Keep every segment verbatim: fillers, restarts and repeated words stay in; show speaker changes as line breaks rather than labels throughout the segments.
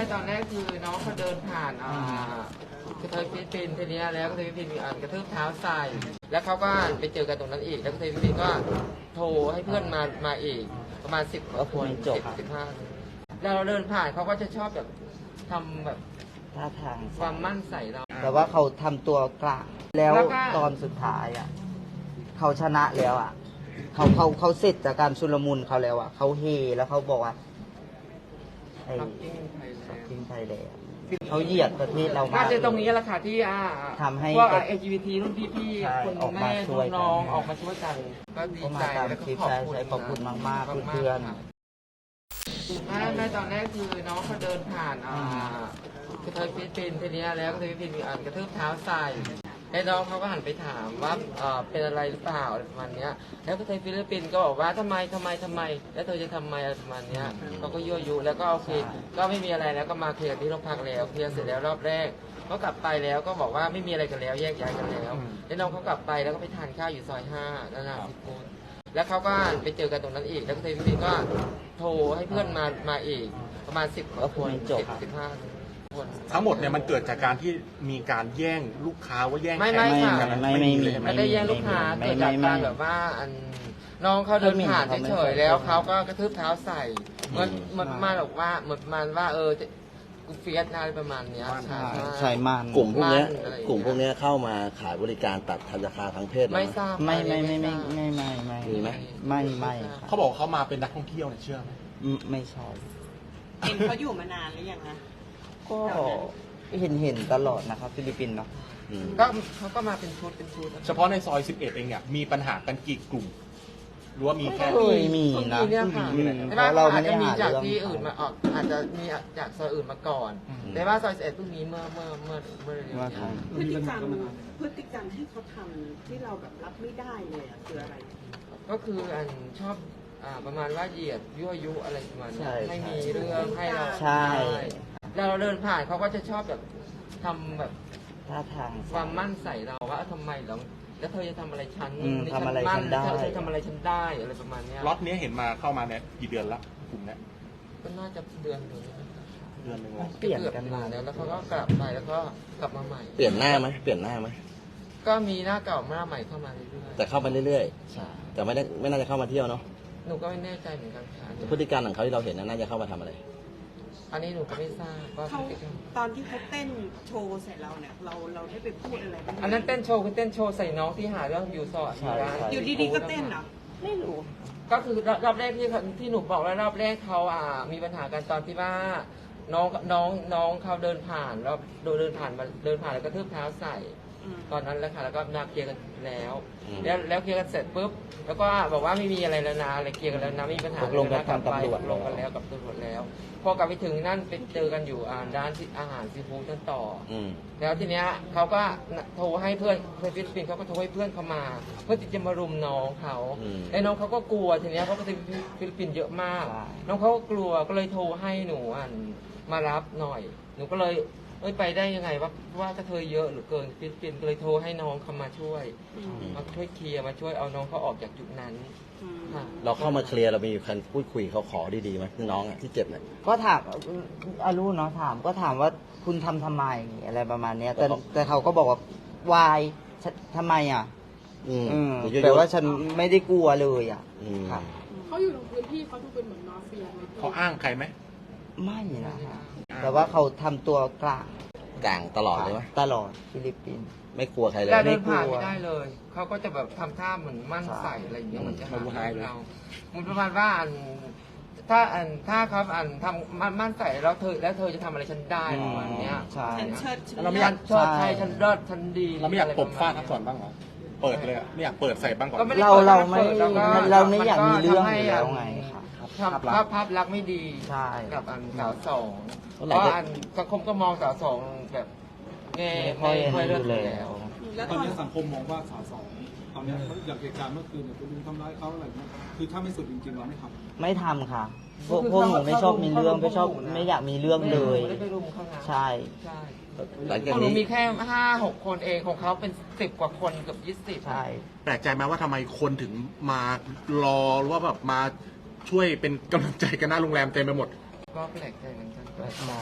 ตอนแรกคือน้องเขาเดินผ่านอ่ากระเทยฟิลิปปินส์ทีนี้แล้วกระเทยฟิลิปปินส์มีอันกระทืบเท้าใส่แล้วเขาก็ไปเจอกันตรงนั้นอีกแล้วกระเทยฟิลิปปินส์ก็โทรให้เพื่อนมามาอีกประมาณสิบกว่าคนสิบสิบห้าแล้วเราเดินผ่านเขาก็จะชอบแบบทำแบบ
ท่าทาง
ความมั่นใส่เรา
แต่ว่าเขาทำตัวกลางแล้ว
แล้วก็
ตอนสุดท้ายอ่ะเขาชนะแล้วอ่ะเขาเขาเขาเสร็จจากการชุลมุนเขาแล้วอ่ะเขาเฮแล้วเขาบอกว่าไอ้
ทำกิ้งไทยแลนด์
ทิ้งไทยแล้วเขาเหยียดประเทศเรามา
น่าก จะตรงนี้แหละค่ะที่อ่า
ทำให้
พวก เอล จี บี ที รุ่นพี่
ใช่
ๆคน
ออกมา
แม่
ช่วยกัน
น้องๆออกมาช่วยกันก็ดี
เขามา
ใจ
ตาม
แล้วก็
คลิป
ขอบ
ใช่
คุณ
ใช่ขอบคุณมากๆ
มากๆ
เพื่อน
ค่ะแม่แม่ตอนแรกคือน้องเขาเดินผ่านอ่ากระเทยฟิลิปปินส์ทีนี้แล้วกระเทยฟิลิปปินส์มีอันกระทืบเท้าใส่แล้วน้องเขาก็หันไปถามว่าเอ่อเป็นอะไรหรือเปล่าอะไรประมาณเนี้ยแล้วกระเทยฟิลิปปินส์ก็บอกว่าทำไมทำไมทำไม แล้วเธอจะทำไมอะไรประมาณเนี้ยเขาก็ยั่วยุแล้วก็โอเคก็ไม่มีอะไรแล้วก็มาเคลียร์ที่โรงพักแล้วเคลียร์เสร็จแล้วรอบแรกก็กลับไปแล้วก็บอกว่าไม่มีอะไรกันแล้วแยกย้ายกันแล้วแล้วน้องเขากลับไปแล้วก็ไปทานข้าวอยู่ซอยห้านานาสิบคนแล้วเขาก็ไปเจอกันตรงนั้นอีกแล้วกระเทยฟิลิปปินส์ก็โทรให้เพื่อนมามาอีกประมาณสิบกว่าคนสิบสิบห้าคน
ทั้งหมดเนี่ยมันเกิดจากการที่มีการแย่งลูกค้าว่าแย่ง
ไม่
แข
ไม่
ก
ค่ะ
กัน
ไม่ไม่มี
เลยใช่ไหม
ไม่ได้แย่งลูกค้า
ไม่
เกิด
ไม่
จาก
ไม่
การแบบว่าอันน้องเขาเดินผ่าน
เขาไม่
เฉย
เขาไม่
ๆแล้วเขาก็กระทืบเท้าใส่เหมือนเหมือนประมาณบอกว่าเหมือนประมาณว่าเออจะกูเฟียสอะไรประมาณเนี้ยใช่
ใช่มัน
กลุ่มพวกเนี้ย
มันอะไรอย่างเงี้ย
กลุ่มพวกเนี้ยเข้ามาขายบริการตัดทันราคาทางเพศเหรอ
ไม่ทราบ
ไม่ไม่
อัน
ไม่
นี้
ไม่
ทราบ
ไม่ไม่ไม่
มีไหม
ไม่ไม่
เขาบอกเขามาเป็นนักท่องเที่ยวเนี่ยเชื่อไหม
อืมไม่ใช่
เห็นเขาอยู่มานานหรือยังคะ
ก็เห็นเห็นตลอดนะครับฟิลิปปินส์เนาะ
อืม
ก็เขาก็มาเป็นชุดเป็นชุด
เฉพาะในซอยสิบเอ็ดเองเนี่ยมีปัญหากันกี่กลุ่มหรือว่ามีแค่
เคยมีนะ
มีเนี่ยค่ะ
อืม
แต่
เพ
ว่า
ราะเรา
อา
ไม่
จ
ได้
จะมี
หา
จาก
เรื่อง
ที่อื่นมาออกอาจจะมีจากซอยอื่นมาก่อน แต่ว่าซอยสิบเอ็ดเพิ่งมีเมื่อเมื่อเมื่อเมื่อเร็ว
ว่า
ๆ
ทาง
พฤติกรรมพฤติกรรมที่เขาทำที่เราแบบรับไม่ได้เลยอะคืออะไร
ก็คืออันชอบอ่าประมาณว่าเหยียดยั่วยุอะไรประมาณเนี้ย
ใช่
ไม่มีเรื่องให้เรา
ใช่
แล้วเราเดินผ่านเขาก็จะชอบแบบทำแบบ
ท่าทาง
ความมั่นใส่เราว่าทำไมเราแล้วเธอจะทำอะไรฉัน
อืม
นี่
ทำอะไรฉันได้
เธอเธอทำอะไรฉันได้อะไรประมาณเนี้ย
ล็อตเนี้ยเห็นมาเข้ามาเนี่ยกี่เดือนละกลุ่มเนี้ย
ก็น่าจะเดือนหนึ่ง
เดือนหนึ่งแล้ว
เปลี่ยน
กือบ
กันมา
แล้วแล้วเขาก็กลับไปแล้วก็กลับมาใหม่
เปลี่ยนหน้าไหมเปลี่ยนหน้าไหม
ก็มีหน้าเก่าหน้าใหม่เข้ามาเรื่อย
แต่เข้ามาเรื่อย
ใช่
ๆ แต่ไม่ได้ไม่น่าจะเข้ามาเที่ยวเนาะ
ๆหนูก็ไม่แน่ใจเหมือนกันค่ะ
พฤติการของเขาที่เราเห็นนะน่าจะเข้ามาทำอะไร
อันนี้หนูก็ไม่ทราบว่า
เขาตอนที่เขาเต้นโชว์ใส่เราเนี่ย เราเราได้ไปพูดอะไรบ้างไหม
อันนั้นเต้นโชว์คือเต้นโชว์ใส่น้องที่หาเรื่องอยู่สอดอยู่ร้าน
อยู่ดีๆก็เต้นเหรอ
ไม่รู้
ก็คือรอบแรกที่ที่หนูบอกว่ารอบแรกเขาอ่ามีปัญหากันตอนที่ว่าน้องน้องน้องเขาเดินผ่านแล้วเดินผ่านมาเดินผ่านแล้วก็ทืบเท้าใส่
อืม
ตอนนั้นแหละค่ะแล้วก็นาเคลียร์กันแล้ว
อืม
แล้วแล้วเคลียร์กันเสร็จปุ๊บแล้วก็บอกว่าไม่มีอะไรแล้วนะอะไรเคลียร์กันแล้วนะไม่มีปัญหา
ตกลงกัน
แวะ
ทางตำรวจ
ตกลงกันแล้วกับตำรวจแล้ว พอกลับไปถึงนั่นไปเจอกันอยู่อ่าร้านอาหารซีฟู้ดนั่นต่อ
อืม
แล้วทีเนี้ยเขาก็โทรให้เพื่อนเพื่อนฟิลิปปินส์เขาก็โทรให้เพื่อนเขามา เพื่อที่จะมารุมน้องเขา
อืม
ไอ้น้องเขาก็กลัวทีเนี้ยเพราะว่าฟิลิปปินส์เยอะมาก
ใช่
น้องเขาก็กลัวก็เลยโทรให้หนูอ่ะมารับหน่อย หนูก็เลยเอ้ยไปได้ยังไงว่าว่ากระเทยเยอะหรือเกินฟิลิปปินส์ก็เลยโทรให้น้องเขามาช่วย
อืม
มาช่วยเคลียร์มาช่วยเอาน้องเขาออกจากจุดนั้น
อืม
ค่ะ
เราเข้ามาเคลียร์เรามีการพูดคุยเขาขอดีๆไหมน้องอะที่เจ็บเนี่ย
ก็ถามอารู้เนาะถามก็ถามว่าคุณทำทำไมอะไรประมาณเนี้ยแต่
แล้วเขา
แต่เขาก็บอกว่าวายฉันทำไมอ่ะ
อืม
อืม
เดี๋ยว
แต่
ยุ่
ว่าฉันไม่ได้กลัวเลยอ่ะ
อืม
ครับ
เขาอยู่ในพื้นที่เขาดูเป็นเหมือนมาเฟียไหม
เขาอ้างใครไหม
ไม่นะฮะแต่ว่าเขาทำตัวกลาง
กลางตลอดเลยไหม
ตลอดฟิลิปปินส์
ไม่กลัวใครเลย
แล้วเดินผ่าน
ไม่กลัว
ไม่ได้เลย เขาก็จะแบบทำท่าเหมือนมั่น
ใช่
ใส่อะไรอย่างเงี้ยเหมือนจะหา
ไม่รู้
เรื่อง
เลย
เราเหมันประมาณว่าอันถ้าอันถ้าเขาอันทำมั่นมั่นใส่แล้วเธอแล้วเธอจะทำอะไรฉันได้ประมาณเนี้ย
ใช่
ฉันเชิดฉัน
เราไม่
ฉั
อยาก
นชอบใช่ฉันเลิศฉันดี
เราไม่อยากตบฟาด
ะ
ทั
ไร
กก่อนบ้างเหรอเปิดเลยอะไม่อยากเปิดใส่บ้างก่อน
ก็ไม่ได้
เราเราไม่
ปิดแล้วก็
เราไม่อยากมี
น
เรื่อง
ทำให้
อยู่แล้วไงครับ
ทำภาพภาพลักษณ์ไม่ดี
ใช่
กับอันสาวสอง
เท่า
เพ
ไหร่
ราะ
ก็
อันสังคมก็มองสาวสองแบบแง่
ไม่ค่อย
ไม่ค่อยเลือก
ดู
อ
แล
ยู่แล้ว
แล้ว
ต
ต
อ
อนน
นี้สังคมมองว่าสาวสองตอนนี้อย่างเหตุการณ์เมื่อคืนเนี่ยคุณลุงทำร้ายเขาอะไรเงี้ยคือถ้าไม่สุดจริงๆเราไม่ทำ
ไม่ทำค่ะ พวกพวกหนูไม่ชอบมีเรื่องไม่ชอบไม่อยากมีเรื่องเลย
ไม่ได้ไปรุมเขานะ
ใช่
ใช่
หลัง
ข
จาก
องหนู
นี้
มีแค่ห้าหกคนเองของเขาเป็นสิบกว่าคนเกือบยี่สิบ
ใช่
แปลกใจไหมว่าทำไมคนถึงมารอหรือว่าแบบมาช่วยเป็นกำลังใจกันหน้าโรงแรมเต็มไปหมด
ก็แปลกใจเหมือนกัน
แปลกใจ
แ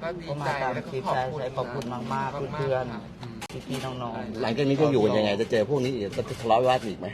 ก็ดี
ก็
ใจ
มาตาม
แล้วก็
คลิป
ขอบ
ใช่
คุณ
ใช่ขอบคุณมากๆเพื่อนๆพี่ๆน้อง
หลังจากนี้จะอยู่กันยังไง จะเจอพวกนี้อีกจะทะเลาะวิวาทอีกไหม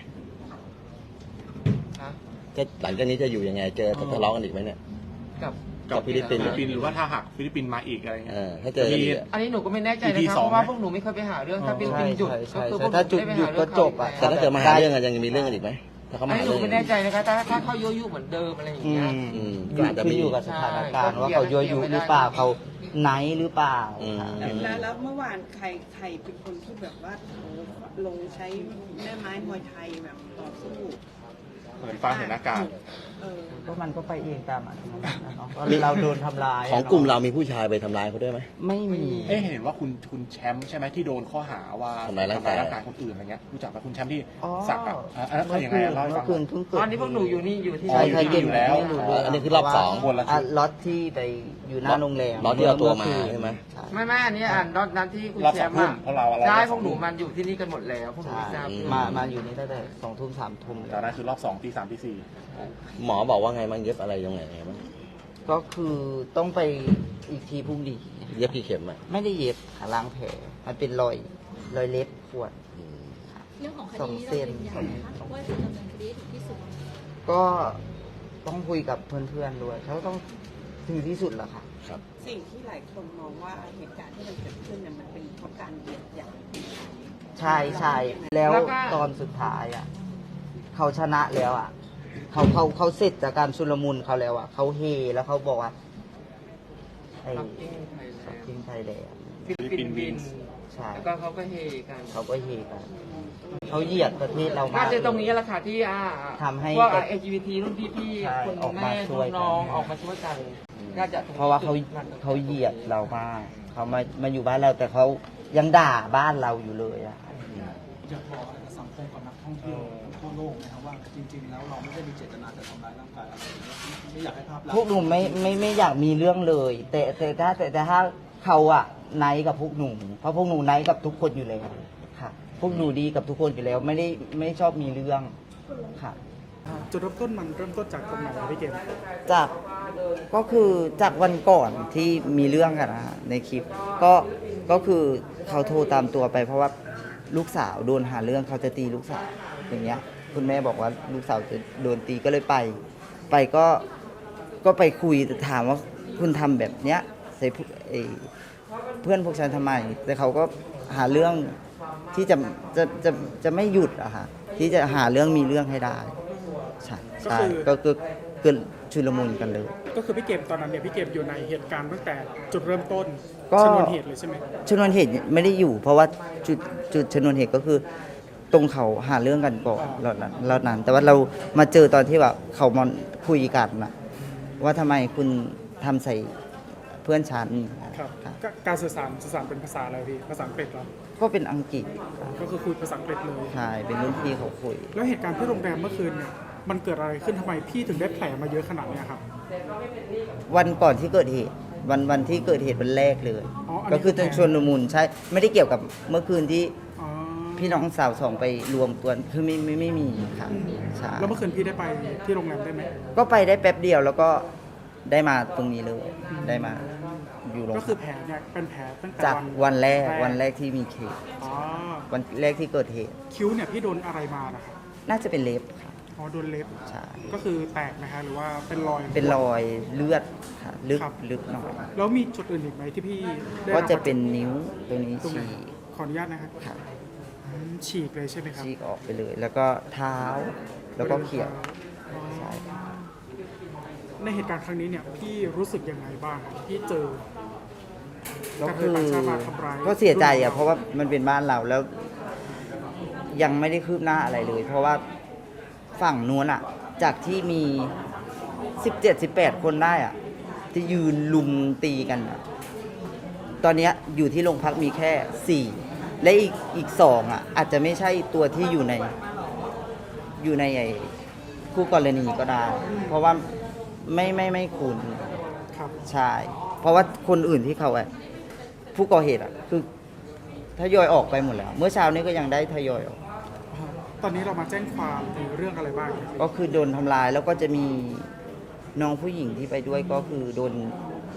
ฮะ
จะหลังจากนี้จะอยู่ยังไง เจอจะทะเลาะกันอีกไหมเนี่ย
กับ
กับฟิลิปปินส์
ฟิลิปปินส์หรือว่าถ้าหากฟิลิปปินส์มาอีกอะไรเงี้
เอย อถ้าเจอกันอีกอะ
อันนี้หนูก็ไม่แน่ใจนะ
อี
ค
พี
รับ
สอง
เพราะว่า
ไหม
พวกหนูไม่เคยไปหาเรื่องถ้า
ๆ
ฟิลิป
ใช่
ปินส์หยุด
ใช่
ก็
ใช่
คือพวกหนู
ถ้าจุด
ไม่
หยุด
ไป
ก็
หา
จ
เรื่อง
บอ่ะ
เขา
แต่ถ้าเกิดมาหาเรื่องกันยังมีเรื่องกันอีกไหมถ้าเขา
อั
มาน หา
นี้หนู
เรื่อง
ไม่แน่ใจนะคะถ้าถ้าเขายั่วยุเหมือนเดิมอะไรอย่าง
อื
เงี้ย
ม
อืม
อ
ก็
ยู่
อาจจะ
ขึ้น
มี
อยู่กับสถานการณ์ว่าเขายั่วยุหรือเปล่าเขาไนท์หรือเปล่า
อืม
แล้วแล้วเมื่อวานใครใครเป็นคนที่แบบว่าโอ้ลงใช้แม่ไม้มวยไทยแบบต่อสู้
เหมือนฟ้าเห็นอากาศ
เออ
ก็มันก็ไปเองตามอัตโนมัตินะเนาะก็เราโดนทำร้ายะ
ของกลุ่มเรามีผู้ชายไปทำร้ายเขาด้วยไหม
ไม่มี
เอ๊ะเห็นว่าคุณคุณแชมป์ใช่ไหมที่โดนข้อหาว่า
ทำร้ายร่างกาย
ทำคนอื่นอะไรเงี้ยรู้จักไหมคุณแชมป์ที่
อ๋อ
สักอ่ะอ่ะอันนั้นเป็นยังไงอ่ะเล่าให้
เมื่
ฟั
อง คืนเพิ่งเกิด
ตอนนี้พวกหนูอยู่นี่อยู่ที่
อ๋อ
ใช่
อยู่
ใช่
ที่อยู่แล้ว
ไม่รู้เรื่อง
อันนี้คือรอบสอง
คนละชุด
อ่ล็อตที่ไปอยู่หน้าโรงแรม
ล็อตที่เอาตัวมาใช่ไหม
ใช่
ไม่ไม่อันนี้อ่านรอบนั้นที่คุณ
รอบ
แช
สอง
มป์
ทุ่ม
อะ
เพราะเราเรา
ใช่
รอบ
พ
ส
ว
อก ง
หนู
ทุ่ม
มันอยู่ที่นี่กันหมดแล้วพวกหนูไม่ทราบ
อื
มามาอยู่นี่ตั้งแต่สองทุ่มสามทุ่ม
แต่นั้นคือรอบสองตีสามตีสี่
หมอบอกว่าไงบ้างเย็บอะไรตรงไหนไงบ้าง
ก็คือต้องไปอีกทีพรุ่งนี้
เย็บกี่เข็มอ่ะ
ไม่ได้เย็บขาล้างแผลมันเป็นรอยรอยเล็บขวด
อืม
เรื่องของค
สอ
ดี
ง
นี้
เส้
เรา
น
ยืนยันนะคะว่าจะดำเนินคดีให้ถึงที่สุด
ก็ต้องคุยกับเพื่อนๆด้วยเขาต้องถึงที่สุดแหละค่ะ
ครับ
สิ่งที่หลายคนมองว่าเหตุการณ์ที่มันเกิดขึ้นเนี่ยมันเป็นเพราะการเหยียดหยาม
ใช่ใช่แล้ว
แล้วก็
ตอนสุดท้ายอ่ะเขาชนะแล้วอ่ะเขาเขาเขาเสร็จจากการชุลมุนเขาแล้วอ่ะเขาเฮแล้วเขาบอกว่าไอ้
ปักกิ่งไทยแลนด์
ทิ้งไทยแลนด์
ฟิลิปปินส์บิน
ใช่
แล้วก็เขาก็เฮกัน
เขาก็เฮกันเขาเหยียดประเทศเรามา
น่าก จะตรงนี้แหละค่ะที่อ่า
ทำให้
พวก เอ จี บี ที รุ่นพี่
ใช่
ๆคุณ
ออกมา
แม่
ช่วยกัน
น้องๆออกมาช่วยกันน่าจะ
เพราะว่าเขาเขาเหยียดเรามากเขามามาอยู่บ้านเราแต่เขายังด่าบ้านเราอยู่เลยอ่ะ
อยากบอกอะไรกับสังคมกับนักท่องเที่ยวทั่วโลกนะครับว่าจริง ๆ แล้วเราไม่ได้มีเจตนาจะทำร้ายร่างกายอะไรไม่อยากให้ภาพลักษ
พวก
ณ์
หนูไม่ไม่ไม่อยากมีเรื่องเลย แต่แต่ถ้าแต่แต่ถ้าเขาอะไนท์กับพวกหนูเพราะพวกหนูไนท์กับทุกคนอยู่แล้วค่ะพวกหนูดีกับทุกคนอยู่แล้ว ไม่ได้ไม่ชอบมีเรื่องค่ะ
จุดเริ่มต้นมันเริ่มต้นจากตรงไหนพี่เกม
จากก็คือจากวันก่อนที่มีเรื่องกันนะฮะในคลิปก็ก็คือเขาโทรตามตัวไป เพราะว่าลูกสาวโดนหาเรื่องเขาจะตีลูกสาวอย่างเงี้ย คุณแม่บอกว่าลูกสาวจะโดนตีก็เลยไป ไปก็ก็ไปคุยถามว่าคุณทำแบบเนี้ยใส่ผู้เอ่อเพื่อนพวกฉันทำไม แต่เขาก็หาเรื่องที่จะจะจะจะไม่หยุดอะค่ะที่จะหาเรื่องมีเรื่องให้ได้ใช่ใช่ก็คือเกิดชุลมุนกันเลย
ก็คือพี่เกมตอนนั้นเนี่ยพี่เกมอยู่ในเหตุการณ์ตั้งแต่จุดเริ่มต้น
ก็
ชนวนเหตุเลยใช่ไหม
ชนวนเหตุไม่ได้อยู่ เพราะว่าจุดจุดชนวนเหตุก็คือตรงเขาหาเรื่องกันก่อนแล้วนั้นแล้วนั้น แต่ว่าเรามาเจอตอนที่แบบเขามาคุยกันนะว่าทำไมคุณทำใส่เพื่อนฉัน
ครับ
ครับ
ก็การสื่อสารสื่อสารเป็นภาษาอะไรพี่ภาษาอังกฤษเหรอ
ก็เป็นอังกฤษครับ
ก็คือคุยภาษาอังกฤษเลย
ใช่เป็นรุ่นพี่เขาคุย
แล้วเหตุการณ์ที่โรงแรมเมื่อคืนเนี่ยมันเกิดอะไรขึ้นทำไมพี่ถึงได้แผลมาเยอะขนาดเนี้ยครับ
วันก่อนที่เกิดเหตุ วันวันที่เกิดเหตุวันแรกเลย
อ๋ออันนี้
ก็คือตอนชวนมุนใช่ไม่ได้เกี่ยวกับเมื่อคืนที่
อ๋อ
พี่น้องสาวสองไปรวมตัวคือไม่ไม่ไม่มีค่ะใช่
แล้วเมื่อคืนพี่ได้ไปที่โรงแรมได้ไหม
ก็ไปได้แป๊บเดียวแล้วก็ได้มาตรงนี้เลย ได้มาอยู่โรง
ก็คือแผลเนี่ยเป็นแผลตั้งแต่
จากวันแรกวันแรกที่มีเคส
อ๋อ
วันแรกที่เกิดเหตุ
คิ้วเนี่ยพี่โดนอะไรมานะครับ
น่าจะเป็นเล็บค่ะ
อ๋อโดนเล็บ
ใช่
ก็คือแตกนะฮะหรือว่าเป็นรอย
เป็นรอยเลือดค่ะลึก
ครับ
ลึกหน่อย
แล้วมีจุดอื่นอีกไหมที่พี่ได้
ก็
รับ
จะเป็นนิ้วตรงนี้
ตรงไหน
ฉีก
ขออนุญาตนะครับ
ค่ะ
อืมฉีกเลยใช่ไหมครับ
ฉีกออกไปเลย แล้วก็เท้าแล้วก็เขียว
อ๋อ
ใช่
ในเหตุการณ์ครั้งนี้เนี่ยพี่รู้สึกยังไงบ้างครับที่เจอ
ก็คือ
การเดินทางมาทำร้าย
ก็เสียใจอ่ะเพราะว่ามันเป็นบ้านเราแล้ว ยังไม่ได้คืบหน้าอะไรเลย เพราะว่าฝั่งนู้นอ่ะ จากที่มีสิบเจ็ดสิบแปดคนได้อ่ะที่ยืนลุมตีกันอะตอนเนี้ยอยู่ที่โรงพักมีแค่สี่และอีกอีกสองอ่ะ อาจจะไม่ใช่ตัวที่อยู่ใน อยู่ในไอ้คู่กรณีก็ได้ เพราะว่าไม่ไม่ไม่คุ้น
ครับ
ใช่ เพราะว่าคนอื่นที่เขาอะผู้ก่อเหตุอะคือทยอยออกไปหมดแล้ว เมื่อเช้านี้ก็ยังได้ทยอยออก
ตอนนี้เรามาแจ้งความในเรื่องอะไรบ้างครับ
ก็คือโดนทำลายแล้วก็จะมีน้องผู้หญิงที่ไปด้วยก็คือโดน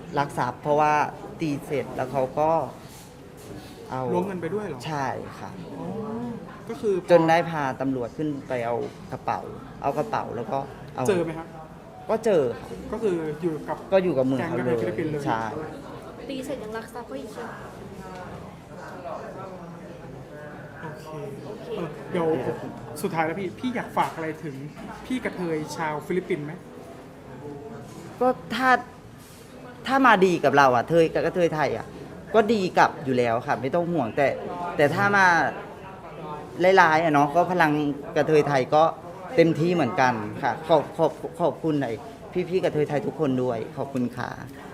ลักทรัพย์เพราะว่าตีเสร็จแล้วเขาก็เอา
ล้วงเงินไปด้วยเหรอ
ใช่ค่ะ
อ๋อก็คือพอ
จนได้พาตำรวจขึ้นไปเอากระเป๋า เอากระเป๋าแล้วก็เอา
เจอไหมครับ
ก็เจอค่ะ
ก็คืออยู่กับ
ก็อยู่กับมือเขา
แก๊ง
เล
กระเทยฟิลิปปินส์เลย
ยใช่
ตีเสร็จยังรักทรัพย์เขาอีกใช่ไหม
โอเคเออเดี๋ยวสุดท้ายแล้วพี่ พี่อยากฝากอะไรถึงพี่กระเทยชาวฟิลิปปินส์ไหม
ก็ถ้าถ้ามาดีกับเราอ่ะเทยกับกระเทยไทยอ่ะก็ดีกลับอยู่แล้วค่ะ ไม่ต้องห่วงแต่ แต่ถ้ามาร้ายๆอ่ะเนาะก็พลังกระเทยไทยก็เต็มที่เหมือนกันค่ะ ขอบขอบขอบคุณไอ้พี่ๆกระเทยไทยทุกคนด้วย ขอบคุณค่ะ